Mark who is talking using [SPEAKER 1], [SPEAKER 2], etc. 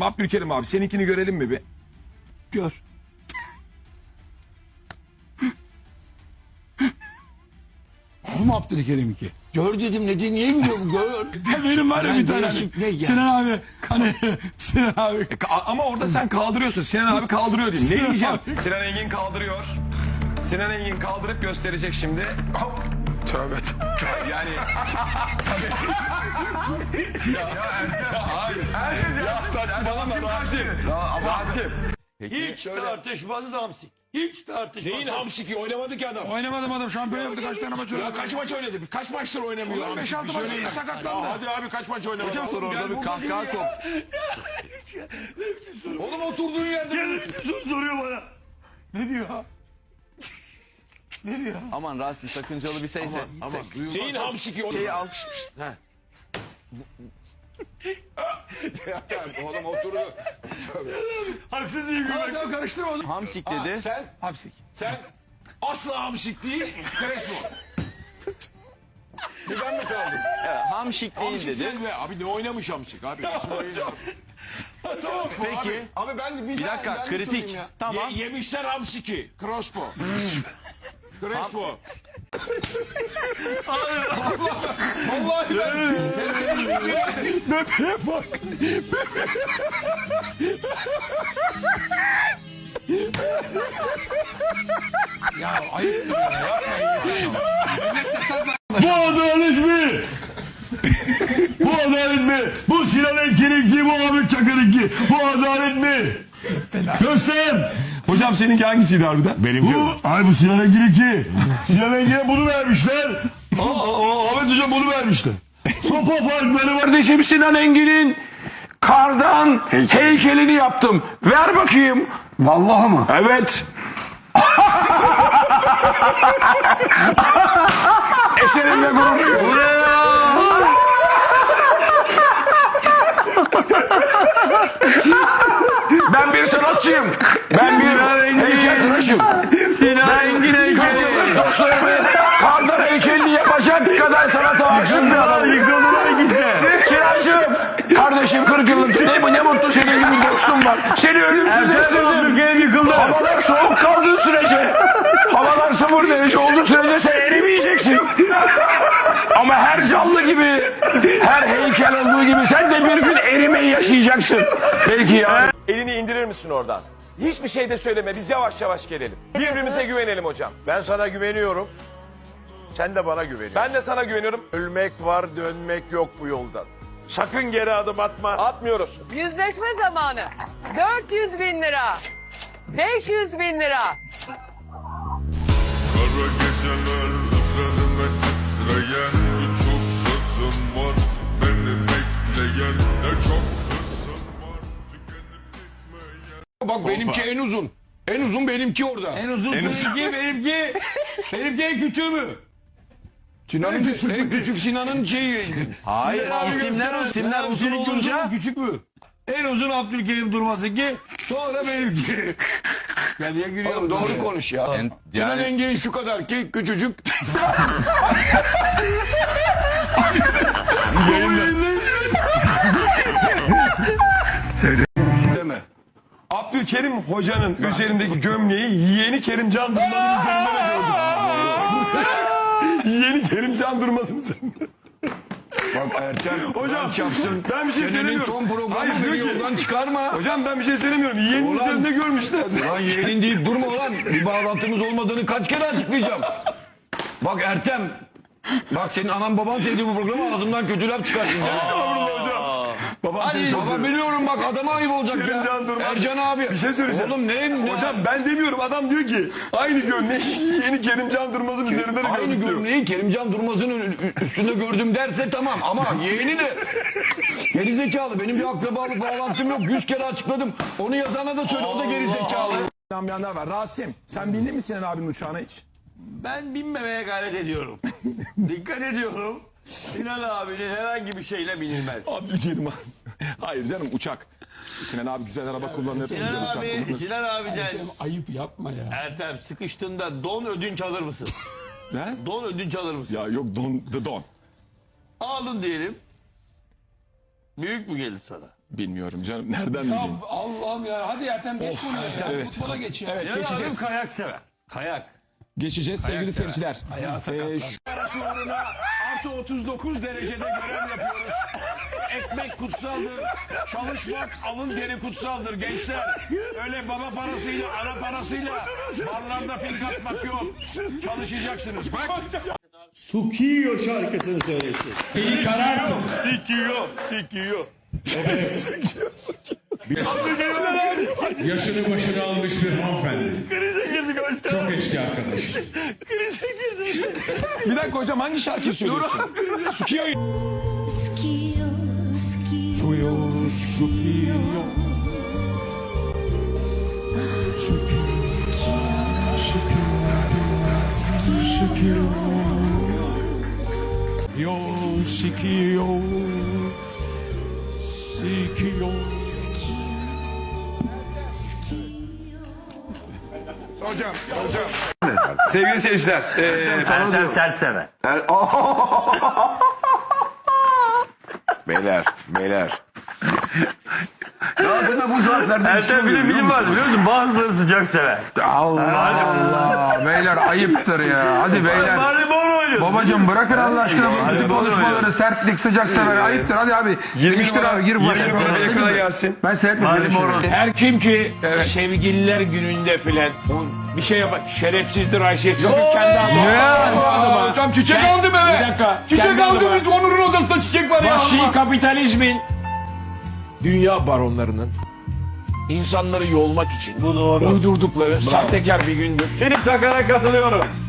[SPEAKER 1] Abdülkerim abi seninkini görelim mi bir?
[SPEAKER 2] Gör.
[SPEAKER 3] Bu mu Abdülkerim'inki?
[SPEAKER 2] Gör dedim ne diye niye biliyorum gör.
[SPEAKER 3] Benim var ya
[SPEAKER 2] Ben
[SPEAKER 3] bir tane.
[SPEAKER 2] değişik ne ya?
[SPEAKER 3] Sinan abi. Hani Sinan abi.
[SPEAKER 1] Ama orada sen kaldırıyorsun. Sinan abi kaldırıyor diyeyim. Ne
[SPEAKER 3] Sinan
[SPEAKER 1] diyeceğim?
[SPEAKER 3] abi.
[SPEAKER 1] Sinan Engin kaldırıyor. Sinan Engin kaldırıp gösterecek şimdi. Hop. Tövbe tövbe. Yani. Ya saçmalama Rasim. Rasim.
[SPEAKER 3] Hiç tartışmasız hamsik. Hiç tartışmasız.
[SPEAKER 2] Neyin hamsiki oynamadı ki adam.
[SPEAKER 3] Oynamadım adam şampiyon yaptı kaç tane maç
[SPEAKER 2] Ya
[SPEAKER 3] oynadı.
[SPEAKER 2] kaç maç oynadı? Kaç maçtır oynamıyor
[SPEAKER 3] Ulan
[SPEAKER 2] hamsik?
[SPEAKER 3] 5-6
[SPEAKER 2] Bir
[SPEAKER 3] maç
[SPEAKER 2] söyleyin.
[SPEAKER 3] sakatlandı.
[SPEAKER 2] Ya hadi abi kaç maç oynamadı?
[SPEAKER 3] Hocam,
[SPEAKER 2] Sonra
[SPEAKER 3] gel
[SPEAKER 2] orada bir
[SPEAKER 3] bu
[SPEAKER 2] kahkaha koptu. Oğlum oturduğun yerde.
[SPEAKER 3] Soru soruyor bana. Ne diyor? Ne diyor?
[SPEAKER 4] Aman Rasim sakıncalı bir seyse.
[SPEAKER 2] Ama neyin hamsiki?
[SPEAKER 4] Şeyi al.
[SPEAKER 2] Oğlum oturdu.
[SPEAKER 3] Haksız bir gülmek. Tamam karıştırma onu.
[SPEAKER 4] Hamsik dedi.
[SPEAKER 2] Sen
[SPEAKER 3] Hamsik.
[SPEAKER 2] asla hamsik değil. Crespo. Bir ben mi kaldım?
[SPEAKER 4] Hamşik değil
[SPEAKER 2] Hamsik
[SPEAKER 4] dedi.
[SPEAKER 2] değil be. Abi ne oynamış hamsik abi?
[SPEAKER 3] Tamam.
[SPEAKER 4] Peki.
[SPEAKER 2] Abi ben
[SPEAKER 4] Bir dakika,
[SPEAKER 2] ben de
[SPEAKER 4] kritik.
[SPEAKER 2] sorayım ya.
[SPEAKER 4] Tamam.
[SPEAKER 2] Yemişler hamsiki. Crespo. Crespo. Vallahi
[SPEAKER 3] Bebeğe bak. Ya ayıptır ya.
[SPEAKER 5] Bu adalet mi? Bu adalet mi? Bu Sinan Engin'inki, bu Ahmet Çakır'ınki. Bu adalet mi? Göster.
[SPEAKER 1] Hocam seninki hangisiydi harbiden?
[SPEAKER 5] Bu Sinan Engin'inki. Sinan Engin'e bunu vermişler. Ahmet Hocam bunu vermişler. Sopa farkları var.
[SPEAKER 6] Kardeşim Sinan Engin'in kardan heykelini yaptım. Ver bakayım.
[SPEAKER 3] Vallahi mı?
[SPEAKER 6] Evet. Eserimle gurur duyuyorum. Ben bir sanatçıyım. Ben bir heykeltıraşım. Sinan Engin heykeli. Dostlarımı kardan heykelini yapacak kadar sanata aşık bir adamım. Kirancığım, kardeşim 40 yıllık ne mutlu senin gibi bir dostum var. Seni ölümsüzleştirdim. Havalar soğuk kaldığı sürece, havalar 0 derece olduğu sürece sen erimeyeceksin. Ama her canlı gibi, her heykel olduğu gibi sen de bir gün erimeyi yaşayacaksın. Belki ya.
[SPEAKER 7] Elini indirir misin oradan? Hiçbir şey de söyleme. Biz yavaş yavaş gelelim. Birbirimize güvenelim hocam.
[SPEAKER 2] Ben sana güveniyorum. Sen de bana güveniyorsun.
[SPEAKER 7] Ben de sana güveniyorum.
[SPEAKER 2] Ölmek var, dönmek yok bu yoldan. Sakın geri adım atma.
[SPEAKER 7] Atmıyoruz.
[SPEAKER 8] Yüzleşme zamanı. 400 bin lira. 500 bin lira.
[SPEAKER 9] Kara geceler üzerime titreyen birçok sözüm var. Beni bekleyen ne çok hırsım var. Tükenip gitmeyen.
[SPEAKER 2] Bak benimki en uzun. En uzun benimki orada.
[SPEAKER 3] En uzun seninki benimki. Benimki en küçüğü mü?
[SPEAKER 2] Sinan'ın en küçük Sinan'ın şeyi.
[SPEAKER 4] Hayır isimler uzun
[SPEAKER 3] Seninki
[SPEAKER 4] olunca.
[SPEAKER 3] mu, küçük mü? En uzun Abdülkerim Durmaz'ınki. Sonra benimki. Ya niye gülüyorsun?
[SPEAKER 2] Oğlum doğru konuş ya. Sinan Engin şu kadar ki küçücük. Deme.
[SPEAKER 1] Abdülkerim hocanın üzerindeki gömleği yeğeni Kerimcan Durmaz'ın üzerinde de gördüm. Yeğeni Kerimcan Durmaz'ın üzerinde.
[SPEAKER 2] Bak Ertem.
[SPEAKER 1] Hocam
[SPEAKER 2] yapsın.
[SPEAKER 1] ben bir şey
[SPEAKER 2] Senenin
[SPEAKER 1] söylemiyorum.
[SPEAKER 2] son programı
[SPEAKER 1] Hayır,
[SPEAKER 2] beni
[SPEAKER 1] diyor ki-
[SPEAKER 2] yoldan çıkarma.
[SPEAKER 1] Hocam ben bir şey söylemiyorum. Yeğenin
[SPEAKER 2] Ulan-
[SPEAKER 1] üzerinde görmüşler.
[SPEAKER 2] Lan yeğenin deyip durma lan. Bir bağlantımız olmadığını kaç kere açıklayacağım. Bak Ertem. Bak senin anan baban sevdiği bu programı ağzımdan kötü laf çıkarsın ya.
[SPEAKER 1] Estağfurullah hocam. Babam seni çok
[SPEAKER 2] Baba
[SPEAKER 1] seviyor.
[SPEAKER 2] biliyorum bak adama ayıp olacak ya.
[SPEAKER 1] Kerimcan Durmaz.
[SPEAKER 2] Ercan abi.
[SPEAKER 1] Bir şey söyleyeceğim.
[SPEAKER 2] Oğlum ne?
[SPEAKER 1] Hocam ben demiyorum. Adam diyor ki aynı gömleği yeğeni Kerimcan Durmaz'ın üzerinde de
[SPEAKER 2] Aynı
[SPEAKER 1] gördük diyor.
[SPEAKER 2] gömleği Kerimcan Durmaz'ın üstünde gördüm derse tamam ama yeğeni de gerizekalı. Benim bir akrabalık bağlantım yok. 100 kere açıkladım. Onu yazana da söyle o da gerizekalı.
[SPEAKER 1] Yanlar var. Rasim sen bindin mi Sinan abinin uçağına hiç?
[SPEAKER 3] Ben binmemeye gayret ediyorum. Dikkat ediyorum. Sinan abinin herhangi bir şeyle binilmez.
[SPEAKER 1] Abdülkerim hayır canım uçak. Sinan abi güzel araba kullanır. güzel
[SPEAKER 3] Sinan
[SPEAKER 1] uçak
[SPEAKER 3] abi,
[SPEAKER 1] kullanır.
[SPEAKER 3] Sinan abiden
[SPEAKER 5] Ayıp yapma ya.
[SPEAKER 3] Ertem sıkıştığında don ödünç alır mısın?
[SPEAKER 1] Ne?
[SPEAKER 3] Don ödünç alır mısın?
[SPEAKER 1] Ya yok don.
[SPEAKER 3] Aldın diyelim. Büyük mü gelir sana?
[SPEAKER 1] Bilmiyorum canım. Nereden bileyim?
[SPEAKER 3] Allah'ım ya. Hadi Ertem geç konuya ya. Futbola geç ya.
[SPEAKER 1] Evet, geçeceğiz.
[SPEAKER 3] Kayak sever. Kayak.
[SPEAKER 1] Geçeceğiz sevgili seyirciler.
[SPEAKER 6] Artı 39 derecede görev yapıyoruz. Ekmek kutsaldır. Çalışmak, alın teri kutsaldır gençler. Öyle baba parasıyla, ana parasıyla barlarda fink atmak yok. Çalışacaksınız. Bak.
[SPEAKER 5] Sukiyo şarkısını söylesin. İyi karar.
[SPEAKER 3] Sikiyor.
[SPEAKER 5] Yaşını başını almıştır hanımefendi.
[SPEAKER 3] Krize girdik hoşça.
[SPEAKER 5] Çok eski arkadaş.
[SPEAKER 3] Krize girdik.
[SPEAKER 1] Bir dakika hocam hangi şarkıyı söylüyorsun? Sukiyo.
[SPEAKER 5] Yo sikiyo. Sikiyo.
[SPEAKER 1] Sevgili seyirciler.
[SPEAKER 6] Ertem sert sever.
[SPEAKER 2] Beyler. Ağzına bu saatlerde
[SPEAKER 6] Ertem bir de film var biliyor musun? Bazıları sıcak sever.
[SPEAKER 10] Allah beyler ayıptır ya. Hadi beyler.
[SPEAKER 6] Bari bana oynuyor.
[SPEAKER 10] Babacım bırakın Allah aşkına
[SPEAKER 6] Hadi
[SPEAKER 10] bu konuşmaları,
[SPEAKER 6] bana
[SPEAKER 10] sertlik, sıcak sever. Ayıptır hadi abi.
[SPEAKER 1] 20 numara,
[SPEAKER 10] abi gir bu
[SPEAKER 1] 20 numara yakına gelsin.
[SPEAKER 10] Ben seyretmedim.
[SPEAKER 6] Her kim ki sevgililer gününde filan bir şey yapar. Şerefsizdir Ayşe. Kendi adıma.
[SPEAKER 2] Hocam çiçek aldım eve.
[SPEAKER 6] Bir dakika.
[SPEAKER 2] Çiçek
[SPEAKER 6] Kendi
[SPEAKER 2] aldım.
[SPEAKER 6] adıma.
[SPEAKER 2] Onur'un odasında çiçek var ya.
[SPEAKER 6] Vahşi kapitalizmin dünya baronlarının insanları yolmak için uydurdukları sahtekar bir gündür. Seni takara katılıyorum.